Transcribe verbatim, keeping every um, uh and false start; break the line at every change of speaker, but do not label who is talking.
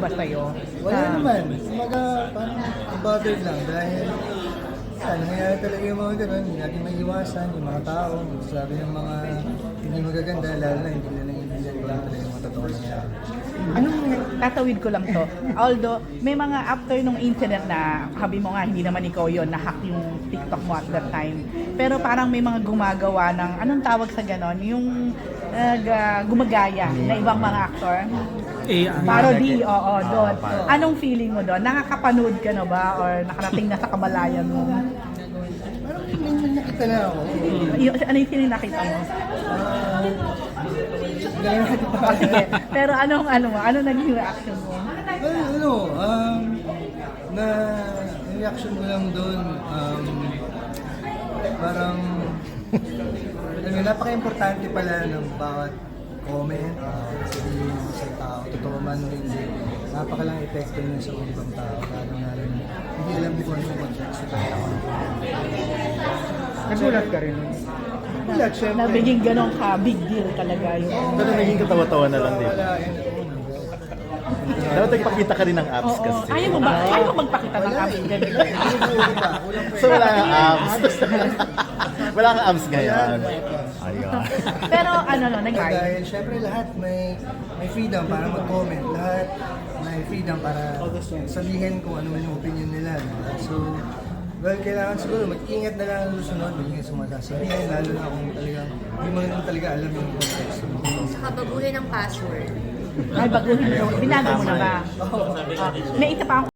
ba sa'yo?
Wala
Sa-
naman. Kumaga, parang bothered lang dahil yan, nangyayari talaga yung mga ganun, hindi natin may iwasan, yung mga tao, sabi ng mga hindi magaganda, lalo na hindi nila naiintindihan ko lang talaga yung mga totoo nangyayari.
Anong tatawid ko lang to? Although, may mga after nung incident na sabi mo nga, hindi naman ikaw yon na-hack yung TikTok mo at that time. Pero parang may mga gumagawa ng, anong tawag sa ganon? Yung uh, ga- gumagaya na ibang mga aktor.
Eh, ano,
Parody, oo,
Ah,
doon.
parody.
Anong feeling mo doon? Nakakapanood ka na ba? Or nakarating na sa kamalayan mo?
Parang may may nakita na ako.
Y- ano yung feeling nakita mo?
Ah, Hindi na natin
Oh, sige. Pero anong ano mo? Ano naging reaction mo?
Well, ano, um, na yung reaction ko lang doon, um, parang, ano, napaka-importante pala ng bawat comment, uh, sabihin mo sa tao, totoo man o hindi, napakalang epekto nun sa ibang tao, lalo na hindi alam mo kung ano yung context sa tao.
Nagulat ka rin.
Wala, syempre.
Nabiging ganon ka, big deal talaga yung...
Pero naging katawa-tawa na lang din.
Wala, yun.
Dapat nagpakita ka rin ng abs
Oo,
kasi.
ayaw mo ba? Ayaw mo magpakita ng
Wala
abs
eh.
ganito?
Ulo pa, ulo pa.
So wala kang abs. Wala kang abs ngayon. Ayun.
Pero ano no, nangyari?
Dahil syempre lahat may may freedom para mag-comment, lahat may freedom para sabihin kung ano man yung opinion nila. So, well, kailangan siguro mag-ingat na lang ang susunod, mag-ingat sa mga sasabihin, lalo na kung talagang hindi mo naman talaga alam yung context.
Saka baguhin ang password.
Ay, baguhin mo. Binago mo na ba?
Oo.
Ah, may isa pa akong